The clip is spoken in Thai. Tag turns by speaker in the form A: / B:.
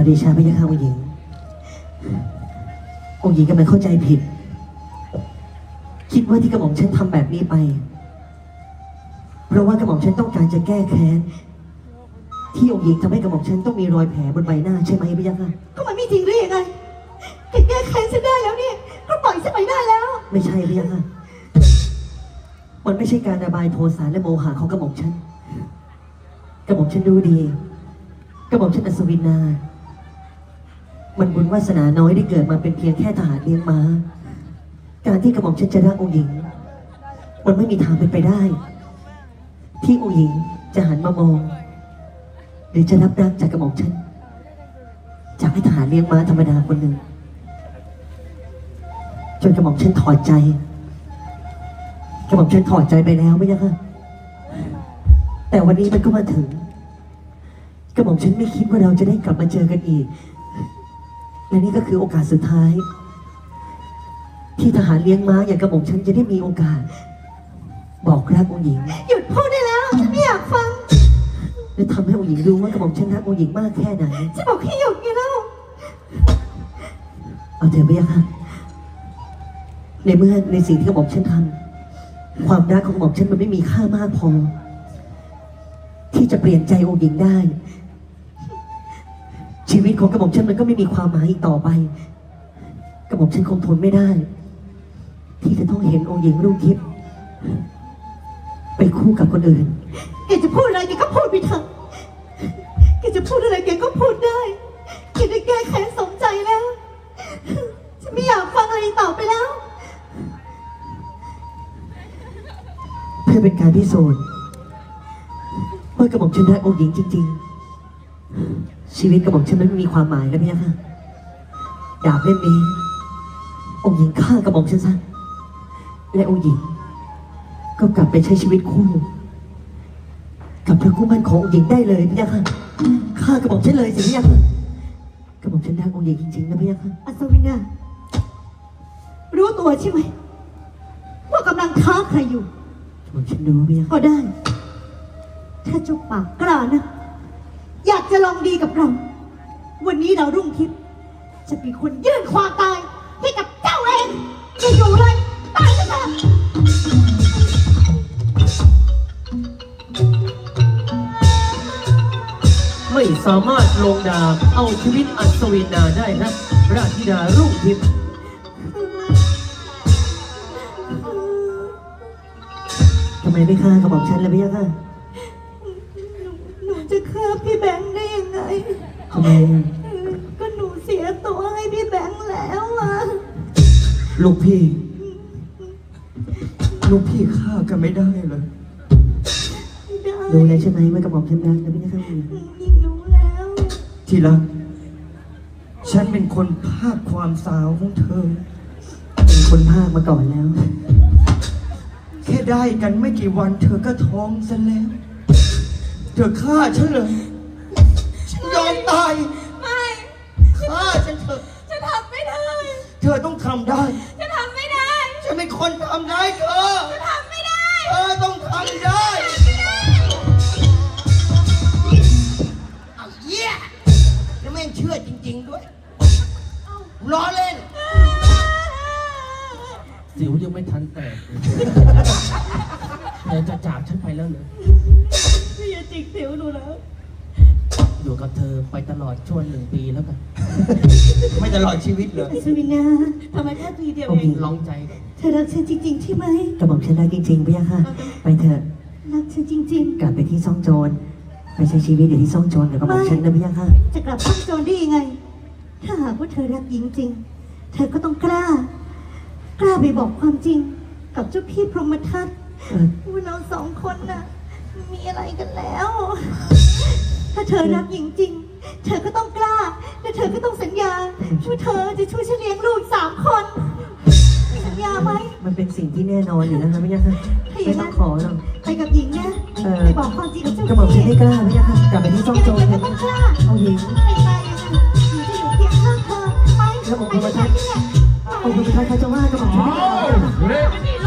A: เดชะพระยาค่ะองค์หญิงองค์หญิงกำลังเข้าใจผิดคิดว่าที่กระหม่อมฉันทำแบบนี้ไปเพราะว่ากระหม่อมฉันต้องการจะแก้แค้นที่องค์หญิงทำให้กระหม่อมฉันต้องมีรอยแผลบนใบหน้าใช่ไหมพระยาค่ะ
B: ก็มันไม่จริงหรือยังไงแกแก้แค้นฉันได้แล้วเนี่ยก็ปล่อยฉันไปได้แล้ว
A: ไม่ใช่พระยาค่ะมันไม่ใช่การระบายโทสะและโมหะของกระหม่อมฉันกระหม่อมฉันรู้ดีกระหม่อมฉันอัศวินนามันบุญวาสนาน้อยได้เกิดมาเป็นเพียงแค่ทหารเลี้ยงม้าการที่กระหม่อมฉันจะรักองค์หญิงมันไม่มีทางเป็นไปได้ที่องค์หญิงจะหันมามองหรือจะรับรักจากกระหม่อมฉันจากให้ทหารเลี้ยงม้าธรรมดาคนหนึ่งจนกระหม่อมฉันถอดใจกระหม่อมฉันถอดใจไปแล้วไม่ใช่ค่ะแต่วันนี้มันก็มาถึงกระหม่อมฉันไม่คิดว่าเราจะได้กลับมาเจอกันอีกและนี่ก็คือโอกาสสุดท้ายที่ทหารเลี้ยงม้าอย่างกระหม่อมฉันจะได้มีโอกาสบอกรักองค์หญิง
B: หยุดพูดได้แล้วฉันไม่อยากฟัง
A: และทำให้องค์หญิงรู้ว่ากระหม่อมฉันรักองค์หญิงมากแค่ไหน
B: จะบอกให้หยุดไงเล่า
A: เอาเถอะพี่ค่ะในเมื่อในสิ่งที่กระหม่อมฉันทำความรักของกระหม่อมฉันมันไม่มีค่ามากพอที่จะเปลี่ยนใจองค์หญิงได้ชีวิตของกระหม่อมฉันมันก็ไม่มีความหมายอีกต่อไปกระหม่อมฉันคงทนไม่ได้ที่จะต้องเห็นองค์หญิงรุ่งทิพย์ไปคู่กับคนอื่น
B: แกจะพูดอะไรแกก็พูดไปเถอะแกจะพูดอะไรแกก็พูดได้แกได้แก้แค้นสมใจแล้วฉันไม่อยากฟังอะไรต่อไปแล้ว
A: เพื่อเป็นการพิสูจน์ว่ากระหม่อมฉันรักองค์หญิงจริงๆชีวิตกระหม่อมฉันนั้นไม่มีความหมายแล้วพี่ค่ะดาบเล่มนี้องค์หญิงฆ่ากระหม่อมฉันซะและองค์หญิงก็กลับไปใช้ชีวิตคู่กับพระคู่มั่นขององค์หญิงได้เลยพี่ค่ะฆ่ากระหม่อมฉันเลยสิพี่ค่ะกระหม่อมฉันรักองค์หญิงจริงๆนะพี่ค่ะ
B: อัศวินารู้ตัวใช่ไหมว่ากำลังท้าใครอยู่
A: กระหม่อมฉันรู้พี่ค่ะ
B: ก็ได้ถ้าเจ้าปากกล้านะอยากจะลองดีกับเราวันนี้เรารุ่งทิพย์จะเป็นคนยื่นความตายให้กับเจ้าเองจะอยู่เลยตายก็ตาม
C: ไม่สามารถลงดาบเอาชีวิตอัศวินนาได้นะราชธิดารุ่งทิพย์
A: ทำไมไม่ฆ่ากระหม่อมฉันเลยพี่ค่ะ
B: หนูจะฆ่าพี่แบงค์ได้ยังไง
A: ทำไม
B: ก็หนูเสียตัวให้พี่แบงค์แล้วอะ
D: ลูกพี่ฆ่ากันไม่ได้เลย
A: รู้แล้วใช่ไหมว่ากระหม่อมฉันรักนะพี่ค่ะ
B: ยิ่งรู้แล้ว
D: ที่รักฉันเป็นคนพากความสาวของเธอ
A: เป็นคนพากมาก่อนแล้ว
D: แค่ได้กันไม่กี่วันเธอก็ท้องซะแล้วเธอฆ่าฉันเลยฉันยอมตาย
B: ไม่
D: ฆ่าฉันเถอะ
B: ฉันทำไม่ได้
D: เธอต้องทำได้
B: ฉันทำไม่ได้
D: ฉันเป็นคนทำได้เธอ
B: ฉันทำไม่ได้
D: เธอต้องทำได้เอาเยี่ยแล้วแม่งเชื่อจริงๆด้วยล้อเล่น
C: สิวยังไม่ทันแตกเลยจะจากฉันไปแล้วเหรอ
B: พี่อย่าจิกสิวหนูแล้ว
C: อยู่กับเธอไปตลอดช่วง1 ปีแล้วกัน
D: ไม่ตลอดชีวิตเลย
B: อัศวินาทำไมแค่ปีเดียวเอง
C: ลองใจ
B: เธอรักฉันจริงๆใช่ไหม
A: กระหม่อมฉันรักจริงๆพี่ค่ะไปเถอะ
B: รักฉันจริงๆ
A: กลับไปที่ซ่องโจรไปใช้ชีวิตอยู่ที่ซ่องโจรกับกระหม่อมฉันนะพี่ค่ะ
B: จะกลับซ่องโจรได้ยังไงถ้าหากว่าเธอรักหญิงจริงเธอก็ต้องกล้าไปบอกความจริงกับเจ้าพี่พรหมทัตว่าเรา2 คนน่ะมีอะไรกันแล้วถ้าเธอรักหญิงจริงเธอก็ต้องกล้าและเธอก็ต้องสัญญาว่าเธอจะช่วยฉันเลี้ยงลูก3 คนสัญญาไหม
A: มันเป็นสิ่งที่แน่นอนอยู่แล้วนะพี่ค่ะไม่ต้องขอหรอก
B: ไปกับหญิงนะไปบอกความจริงกับเจ้าพี่
A: กระหม่อมฉันไม่กล้าพี่ค่ะกลับไปที่ซ่องโจร
B: ก็ต้องกล้า
A: เอาหญิง
B: ไม่ไปหญิงจะอยู่เคียงข้างเธอไป
A: แล้วผมพรหมทัตองค์พรหมทัตเขาจะว่ากระหม่อมฉันไม่ได้